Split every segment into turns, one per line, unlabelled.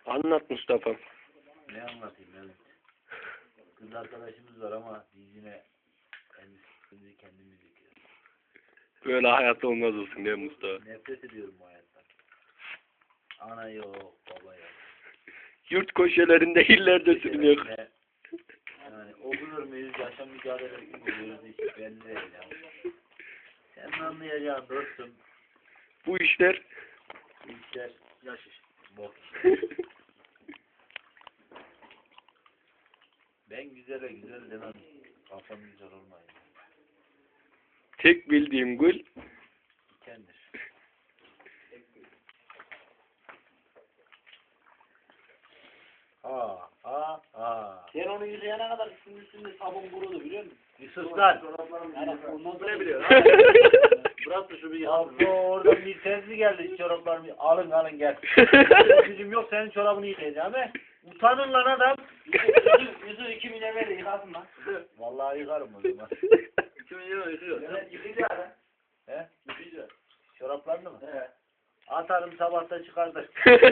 Anlat Mustafa.
Ne anlatayım ben? Kız arkadaşımız var ama biz yine kendimiz yıkıyoruz.
Böyle hayat olmaz olsun değil mi Mustafa?
Nefret ediyorum bu hayattan. Ana yok, baba yok.
Yurt köşelerinde illerde sürünüyor.
Yani okulur muyuz, yaşam mücadelesi buluyoruz hiç belli değil ya. Sen anlayacağın dostum.
Bu işler
Bu işler yaş iş. Bok işler. Ben güzele güzel demem. Kafam güzel olmayın.
tek bildiğim gül
Dikendir.
Sen onu yıkayana kadar üstünde sabun kurudu biliyor musun?
Bir sus lan.
Yani ondan sonra
Ne biliyor?
bırak da şu bir
Abi oradan bir tezli geldi çoraplarımı. Alın gel. Gücüm yok senin çorabını yıkayacağım he. Utanın lan adam.
yüzü 2 milyon verir yıkasın lan.
Vallahi yıkarım o zaman.
2 milyon yıkıyor. Evet yıkayacak ha.
He?
Yıkayacak.
Çoraplarını mı?
Evet.
Atarım sabahta çıkardır.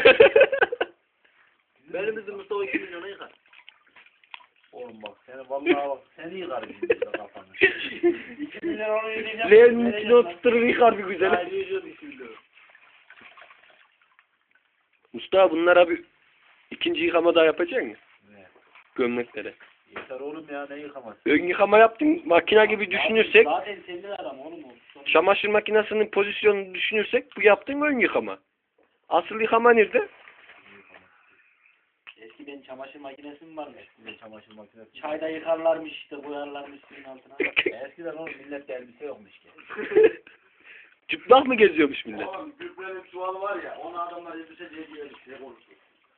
Benim bizim Mustafa 2 milyona yıkar.
Oğlum bak seni vallahi bak seni yıkarım şimdi kafanı.
2 milyon onu yiyeceğim.
Leğenin içine oturtturur yıkar bir güzel.
Hayır yiyeceğim 2 milyon.
Mustafa bunlara bir ikinci yıkama daha yapacak mısın?
Ne?
Gömleklere.
Yeter oğlum ya ne yıkaması?
Ön yıkama yaptın makine gibi düşünürsek,
Zaten senin adam oğlum o.
çamaşır makinesinin pozisyonunu düşünürsek bu yaptığın ön yıkama. Asıl yıkama nerede?
Eskiden çamaşır makinesi mi varmış?
Eskiden çamaşır makinesi.
Çayda yıkarlarmış işte koyarlarmış suyun altına.
Eskiden oğlum millette elbise yokmuş ki.
Çıplak mı geziyormuş millet?
Oğlum Gürpü'nün çuvalı var ya onu adamlar elbise diye diyormuş diye konuşuyor.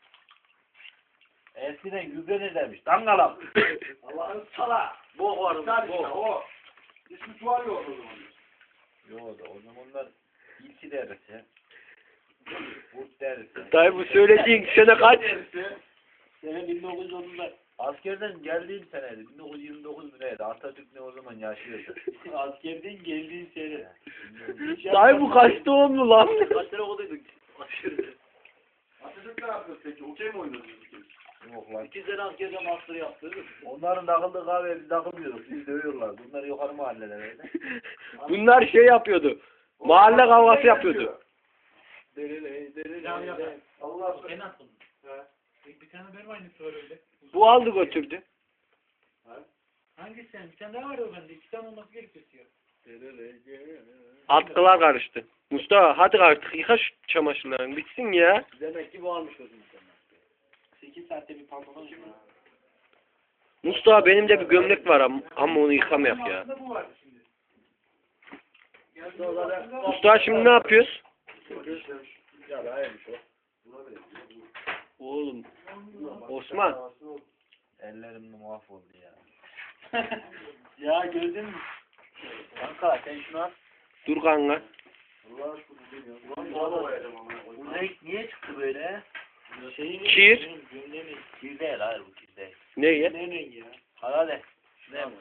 Eskiden gübre ne demiş? Dangalak.
Allah'ın sala. Bok var bok. Hiçbir çuval yok o zaman.
Yok da o zamanlar ilçi derisi. Kurt derisi.
Dayı bu söylediğin sene kaç?
Sene 1930'lar.
Askerden geldiğim seneydi. 1929 mu neydi? Atatürk ne o zaman yaşıyordu.
Askerden geldiğin sene.
Dayı bu kaç doğumlu lan?
Kaç sene okuduyduk askerde. Atatürk ne yapıyor peki? Okey mi oynadınız?
Yok lan.
2 sene askerce master yaptı.
Onların takıldığı kahveye biz takılmıyorduk. Bizi dövüyorlar. Bunlar yukarı mahallelerde.
Bunlar şey yapıyordu. Mahalle kavgası yapıyordu.
Allah sen attın. Bir tane benim aynısı var öyle.
Bu aldı götürdü.
Hangisi sen? Bir tane daha var o bende. 2 tane olması gerekiyor.
Atkılar karıştı. Mustafa hadi artık yıka şu çamaşırlarını bitsin ya.
Demek ki bu almış o zaman. 8 saatte bir pantolon şu.
Mustafa benim de bir gömlek var ama onu yıkamayak ya.
Bu var şimdi.
Mustafa şimdi ne yapıyoruz?
Ya hayırmış o.
Oğlum Osman.
Ellerim mahvoldu ya.
Ya gördün mü?
Kanka sen şunu al.
Dur kanka.
Bu renk niye çıktı böyle?
Kir.
Kir değil hayır bu kir değil.
Ne ya?
Ne rengi ya?
Hadi. Şunu yap.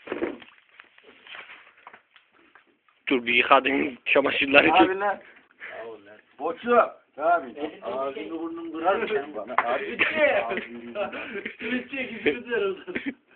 Dur bir yıkadın çamaşırları.
Abi lan. Boçu. Abi.
Ağzını
burnunu kırar mısın bana? Abi.
Bütçe gibi güzel oldu.